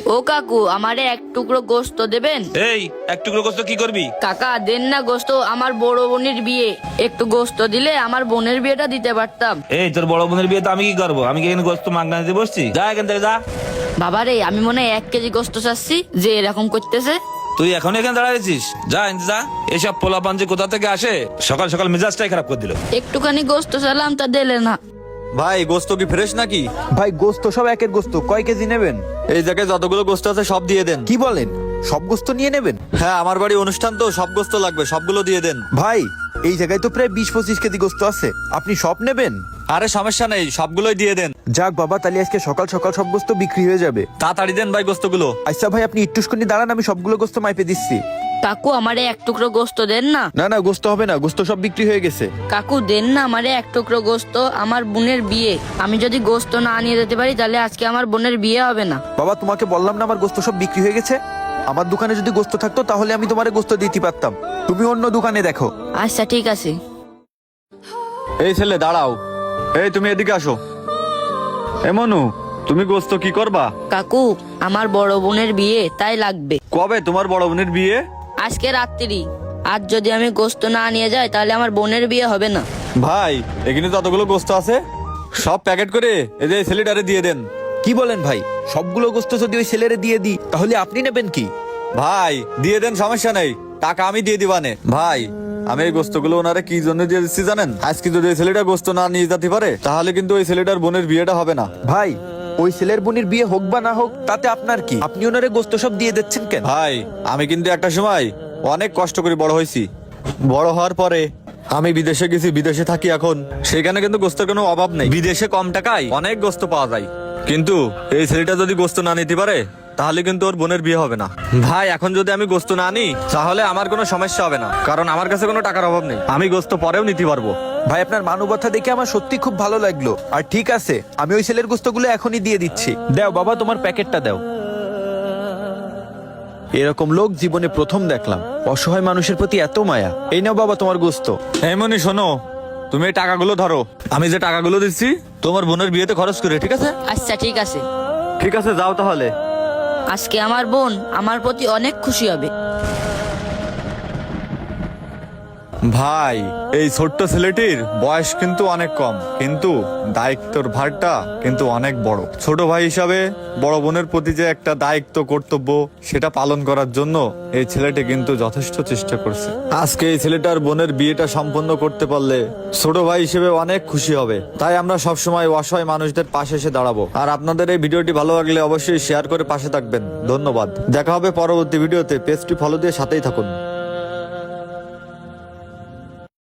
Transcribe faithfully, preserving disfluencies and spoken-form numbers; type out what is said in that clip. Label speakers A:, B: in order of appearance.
A: ও কাকু, আমারে এক টুকরো গোস্ত দেবেন?
B: এই এক টুকরো গোস্ত কি করবি?
A: কাকা দেন না গোস্ত, আমার বড় বোনের বিয়ে। একটু গোস্ত দিলে আমার বোনের বিয়েটা দিতে পারতাম।
B: এই তোর বড় বোনের বিয়ে তো আমি কি করবো? আমি কি এখানে গোস্ত মাগনা দিতে বসছি? যা এখান থেকে যা।
A: বাবারে, আমি মনে হয় এক কেজি গোস্ত চাচ্ছি, যে এরকম করতেছে।
B: তুই এখন এখানে দাঁড়াইছিস? যা এনতে যা। এসব পোলাপান যে কোথা থেকে আসে, সকাল সকাল মেজাজটাই খারাপ করে দিল।
A: একটুখানি গোস্ত চাইলাম, তা দিলে না।
C: ভাই গোস্ত কি ফ্রেশ নাকি?
D: ভাই গোস্ত সব একের গোস্ত, কয় কেজি নেবেন?
C: এই জায়গায় যতগুলো গোস্ত আছে সব দিয়ে দেন।
D: কি বলেন, সব গোস্ত নিয়ে নেবেন?
C: হ্যাঁ, আমার বাড়ি অনুষ্ঠান তো, সব গোস্ত লাগবে, সবগুলো দিয়ে দেন।
D: ভাই এই জায়গায় তো প্রায় বিশ পঁচিশ কেজি গোস্ত আছে, আপনি সব নেবেন?
C: আরে সমস্যা নেই, সবগুলোই দিয়ে দেন।
D: যাক বাবা, তাহলে আজকে সকাল সকাল সব গোস্ত বিক্রি হয়ে যাবে।
C: তাড়াতাড়ি দেন ভাই গোস্তগুলো।
D: আচ্ছা ভাই, আপনি একটুখানি দাঁড়ান, আমি সবগুলো গোস্ত মাইপে দিচ্ছি।
A: কাকু, আমারে এক টুকরো গোস্ত দেন না।
D: না না, গোস্ত হবে না, গোস্ত সব বিক্রি হয়ে গেছে।
A: কাকু দেন না আমারে এক টুকরো গোস্ত, আমার বোনের বিয়ে। আমি যদি গোস্ত না নিয়ে যেতে পারি, তাহলে আজকে আমার বোনের বিয়ে হবে না।
D: বাবা তোমাকে বললাম না আমার গোস্ত সব বিক্রি হয়ে গেছে। আমার দোকানে যদি গোস্ত থাকতো তাহলে আমি তোমারে গোস্ত দিতে পারতাম, তুমি অন্য দোকানে দেখো।
A: আচ্ছা ঠিক আছে।
C: এই ছেলে দাঁড়াও, এই তুমি এদিকে আসো। এ মনু, তুমি গোস্ত কি করবা?
A: কাকু, আমার বড় বোনের বিয়ে, তাই লাগবে।
C: কবে তোমার বড় বোনের বিয়ে?
A: আজকে রাত্রি। আজ যদি আমি গোস্ত না নিয়ে যাই, তাহলে আমার বোনের বিয়ে হবে না।
C: ভাই এখানে যতগুলো গোস্ত আছে সব প্যাকেট করে এই যে ছেলেটারে দিয়ে দেন।
D: কি বলেন ভাই, সবগুলো গোস্ত যদি ওই ছেলেরে দিয়ে দিই তাহলে আপনি নেবেন কি?
C: ভাই দিয়ে দেন, সমস্যা নেই, টাকা আমি দিয়ে দিবানে। ভাই আমি এই গোস্তগুলো ওনারে কি জন্য দিয়ে দিচ্ছি জানেন? আজকে যদি ওই ছেলেটা গোস্ত না নিয়ে যেতে পারে, তাহলে কিন্তু ওই ছেলেটার বোনের বিয়েটা হবে না।
D: ভাই ওই ছেলের বোনের বিয়ে হোক বা না হোক তাতে আপনার কি? আপনি ওনারে গোস্ত সব দিয়ে দিচ্ছেন কেন?
C: ভাই আমি কিন্তু একটা সময় অনেক কষ্ট করে বড় হয়েছি। বড় হওয়ার পরে আমি বিদেশে গেছি, বিদেশে থাকি এখন। সেখানে কিন্তু গোস্তের কোনো অভাব নেই, বিদেশে কম টাকায় অনেক গোস্ত পাওয়া যায়। কিন্তু এই ছেলেটা যদি গোস্ত না নিতে পারে, তাহলে কিন্তু ওর বোনের বিয়ে হবে না। ভাই এখন যদি আমি গোস্ত না নিই, তাহলে আমার কোনো সমস্যা হবে না, কারণ আমার কাছে কোনো টাকার অভাব নেই, আমি গোস্ত পরেও নিতে পারবো।
D: ভাই আপনার মানবতা দেখে আমার সত্যি খুব ভালো লাগলো। আর ঠিক আছে, আমি ওই ছেলের গোস্তগুলো এখনই দিয়ে দিচ্ছি। দাও বাবা, তোমার প্যাকেটটা দাও। এরকম লোক জীবনে প্রথম দেখলাম, অসহায় মানুষের প্রতি এত মায়া। এই নাও বাবা তোমার গোস্ত।
C: এমনি শোনো, তুমি এই টাকাগুলো ধরো, আমি যে টাকাগুলো দিচ্ছি তোমার বোনের বিয়েতে খরচ করে, ঠিক আছে?
A: আচ্ছা ঠিক আছে।
C: ঠিক আছে, যাও তাহলে।
A: আজকে আমার বোন আমার প্রতি অনেক খুশি হবে।
C: ভাই এই ছোট্ট ছেলেটির বয়স কিন্তু অনেক কম, কিন্তু দায়িত্বর ভারটা কিন্তু অনেক বড়। ছোট ভাই হিসাবে বড় বোনের প্রতি যে একটা দায়িত্ব, কর্তব্য, সেটা পালন করার জন্য এই ছেলেটি কিন্তু যথেষ্ট চেষ্টা করছে। আজকে এই ছেলেটার বোনের বিয়েটা সম্পন্ন করতে পারলে ছোট ভাই হিসেবে অনেক খুশি হবে। তাই আমরা সবসময় অসহায় মানুষদের পাশে এসে দাঁড়াবো। আর আপনাদের এই ভিডিওটি ভালো লাগলে অবশ্যই শেয়ার করে পাশে থাকবেন। ধন্যবাদ। দেখা হবে পরবর্তী ভিডিওতে। পেজটি ফলো দিয়ে সাথেই থাকুন।